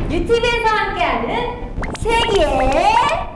유튜브에서 함께하는 세기의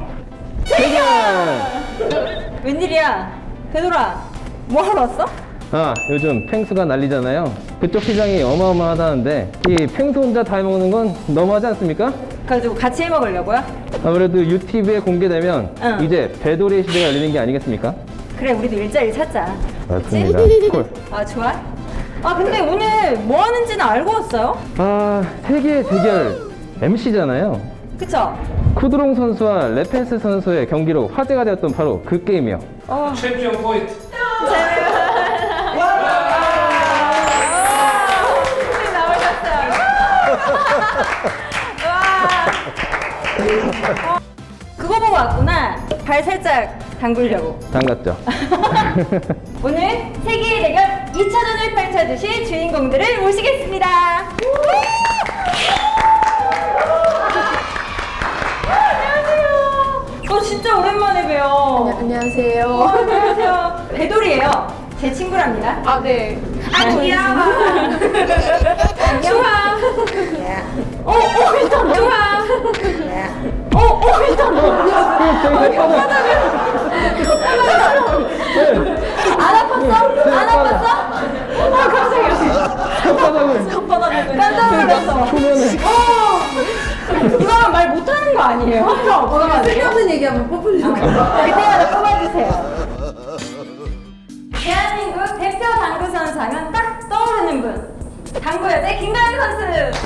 대결! 웬일이야? 베돌아, 뭐 하러 왔어? 요즘 펭수가 난리잖아요. 그쪽 시장이 어마어마하다는데 이 펭수 혼자 다 해먹는 건 너무하지 않습니까? 그래가지고 같이 해먹으려고요? 아무래도 유튜브에 공개되면 응. 이제 배돌이의 시대가 열리는 게 아니겠습니까? 그래, 우리도 일자리 찾자. 맞습니다. 콜. 아, 좋아? 아, 근데 오늘 뭐 하는지는 알고 왔어요? 세계의 대결 MC잖아요. 그쵸? 쿠드롱 선수와 레펜스 선수의 경기로 화제가 되었던 바로 그 게임이요. 챔피언 포인트. 그거 보고 왔구나. 발 살짝 담그려고. 담갔죠. 오늘 세계의 대결 2차전을 펼쳐주실 주인공들을 모시겠습니다. 안녕하세요. 진짜 오랜만에 봬요. 안녕하세요. 안녕하세요. 배돌이에요. 제 친구랍니다. 아, 네. 아, 귀여워. 좋아. 일단 좋아. 일단 안 아팠어? 안 아팠어? 깜짝이야. 깜짝 놀랐어. 이거는 말 못하는 거 아니에요? 쓸데없는 얘기하면 뽑으려고. 그때마다 뽑아주세요. 대한민국 대표 당구 선수 하면 딱 떠오르는 분. 당구 여대 김가연 선수.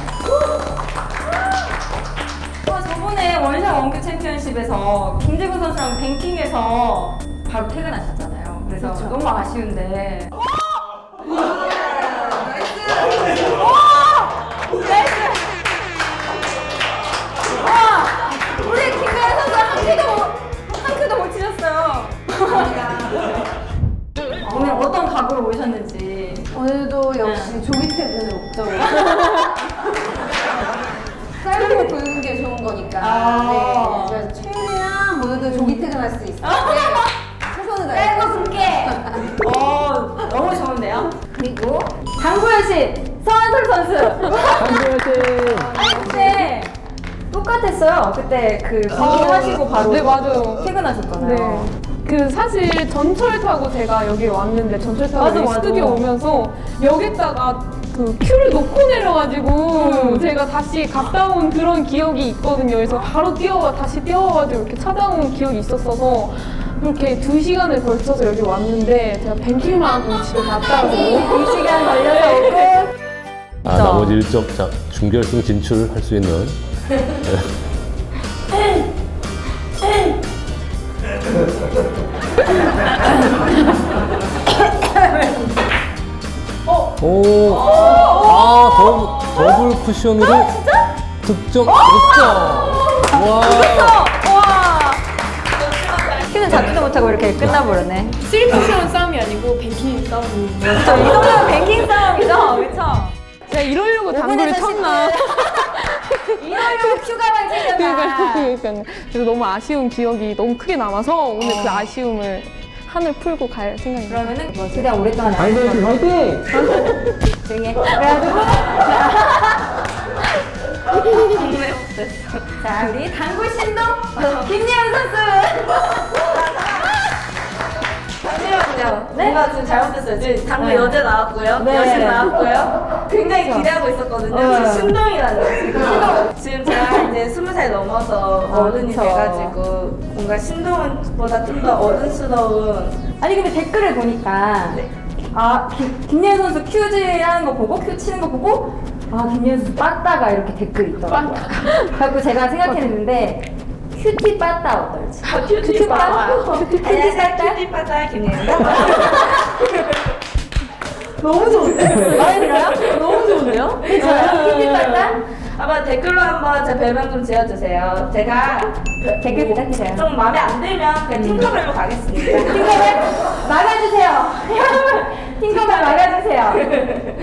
저번에 원샷 원큐 챔피언십에서 김재구 선수랑 뱅킹해서 바로 퇴근하셨잖아요. 그래서 너무 아쉬운데. 나이스! 우리 김가연 선수 한 큐도 못 치셨어요. 오늘 어떤 각오로 오셨는지. 오늘도 역시 조기 퇴근을 목적으로. 짧고 굵은 게 좋은 거니까. 네. 그래서 최대한 모두들 조기 퇴근할 수 있을 때 최선을 다해. 짧고 굵게. 너무 좋은데요? 그리고 당구 여신 서한솔 선수. 한국의 아니 근데 똑같았어요. 그때 그 하시고 바로 네, 맞아요. 퇴근하셨잖아요. 네. 그 사실 전철 타고 제가 여기 왔는데 전철 타고 맞아, 여기 맞아. 스튜디오 오면서 여기다가 그 큐를 놓고 내려가지고 제가 다시 갔다 온 그런 기억이 있거든요. 그래서 바로 다시 뛰어와가지고 이렇게 찾아온 기억이 있었어서 이렇게 2시간을 걸쳐서 여기 왔는데 제가 뱅킹만 하고 집에 갔다고 2시간 걸려서 오고. 나머지 일정 자, 준결승 진출할 수 있는 더블 쿠션으로 득점. 와. 큐는 잡지도 못하고 이렇게 끝나버렸네. 3쿠션 싸움이 아니고 뱅킹 싸움이. 이 정도면 뱅킹 싸움이죠? 그쵸? 제가 이러려고 당구를 쳤나? 이러려고 큐가만 챙겼나? 그러니까요. 그래서 너무 아쉬운 기억이 너무 크게 남아서 오늘 그 아쉬움을 한을 풀고 갈 생각입니다. 그러면은 최대한 오랫동안 당구 여신 화이팅! 조용히 해. 그래가지고 자, 우리 당구 신동 김예은 선수. 잠시만요. 네? 뭔가 지금 잘못됐어요. 지금 당구 네. 여제 나왔고요. 네. 여신 나왔고요. 굉장히 그렇죠. 기대하고 있었거든요. 네. 지금 신동이라는 지금. 지금 제가 이제 20살 넘어서 어른이 그쵸. 돼가지고 뭔가 신동보다 좀 더 어른스러운. 아니 근데 댓글을 보니까 네. 김예은 선수 큐즈 하는 거 보고 큐 치는 거 보고 김예은 선수 빠따가 이렇게 댓글이 있더라고요. 그래서 제가 생각했는데 큐티 빠따 어떨지. 큐티 빠따. 큐티 안녕하세요. 빠따. 큐티 빠따 김예은입니다. 너무 좋은데? 마음에 들어요? 너무 좋은데요? 저요? 큐티 빠따? 한번 댓글로 한번 제 별명 좀 지어주세요. 제가 댓글 부탁드려요. 좀 마음에 안 들면 그냥 팅커벨로 가겠습니다. 팅커벨 막아주세요. 여러분 팅커벨 막아주세요.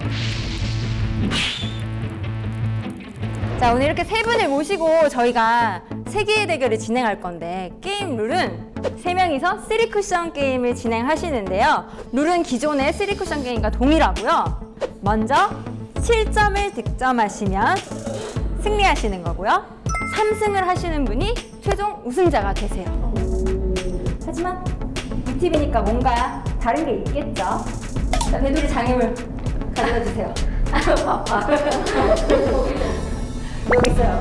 자, 오늘 이렇게 세 분을 모시고 저희가 세계의 대결을 진행할 건데 게임 룰은 3명이서 3쿠션 게임을 진행하시는데요. 룰은 기존의 3쿠션 게임과 동일하고요. 먼저 7점을 득점하시면 승리하시는 거고요. 3승을 하시는 분이 최종 우승자가 되세요. 하지만 꿀팁이니까 뭔가 다른 게 있겠죠. 자, 배두리 장애물 가져다 주세요. 바빠. 여기 있어요.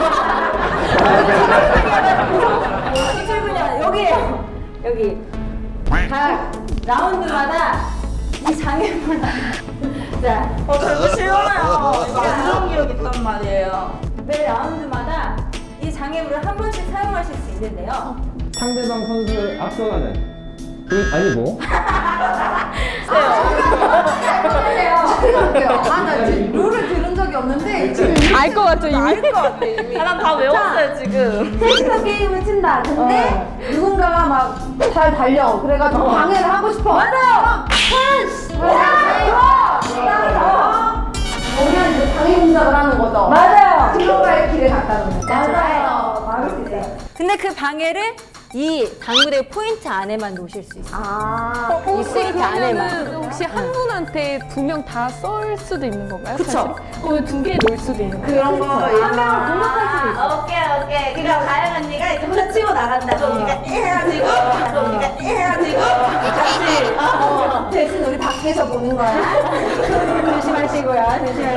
출근이야. 여기에요. 여기. 각 라운드마다 이 장애물. 자, 별거 싫어요. 이거 안 좋은 기억 있단 말이에요. 매 라운드마다 이 장애물을 한 번씩 사용하실 수 있는데요. 상대방 선수를 앞서가는 아니고 나 룰을 들은 적이 없는데 지금 알 것 같죠 이미? 알것 같아 이미. 난 다 외웠어요 지금. 셋이서 게임을 친다. 근데 누군가가 막 잘 달려. 그래가지고 방해를 하고 싶어. 맞아요. 우리는 이제 방해 공작을 하는 거죠. 맞아요. 들어갈 길을 갖다는 거. 맞아요. 막을 수 있어요. 근데 그 방해를 이 당구대 포인트 안에만 놓으실 수 있어요. 아, 이 포인트 안에만. 그러면은 혹시 한 분한테 2명 다 쏠 수도 있는 건가요? 그쵸. 그러면 2개 놓을 수도 있는 거예요? 그런 거. 한 명을 공격할 수도 있어요. 오케이. 그러니까 가영 언니가 이제 혼자 치고 나간다. 그럼 우리가 해가지고, 같이. 대신 우리 밖에서 보는 거야. 조심하시고요.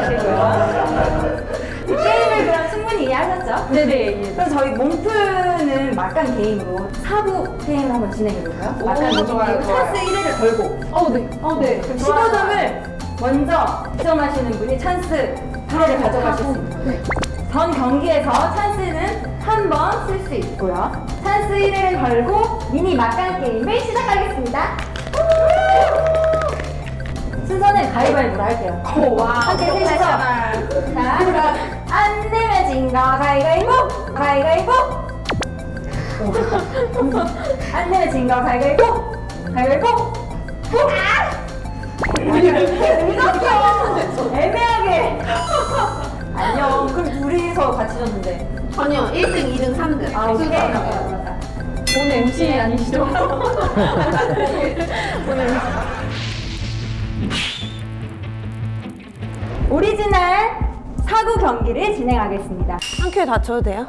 이 게임을 그럼 충분히 이해하셨죠? 네네. 그럼 저희 몸푸는 막간 게임으로 4부 게임을 한번 진행해볼까요? 막간 게임 좋아요. 찬스 1회를 걸고 네. 그럼 15점을 먼저 득점하시는 분이 찬스 1회를 가져가실 수 있어요. 전 경기에서 찬스는 한 번 쓸 수 있고요. 찬스 1회를 걸고 미니 막간 게임을 시작하겠습니다. 순서는 가위바위보로 할게요. 함께 셋이서. 자, 그럼 안 내면 진 거 가위바위보! 가위바위보! 안 내면 진 거 가위바위보! 가위바위보! 보! 늦었어! 애매하게! 안녕. 그럼 둘이서 같이 졌는데. 아니요, 1등, 2등, 3등. 아, 오케이. 오늘 MC 아니시죠? 오리지널 사구 경기를 진행하겠습니다. 한 큐에 다쳐도 돼요?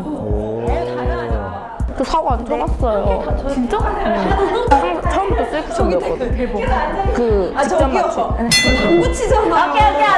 당연하죠. 저 사고 안 쳐봤어요. 진짜? 처음부터 셀프점이었거든. 아, 저기요. 당구 치잖아. 오케이.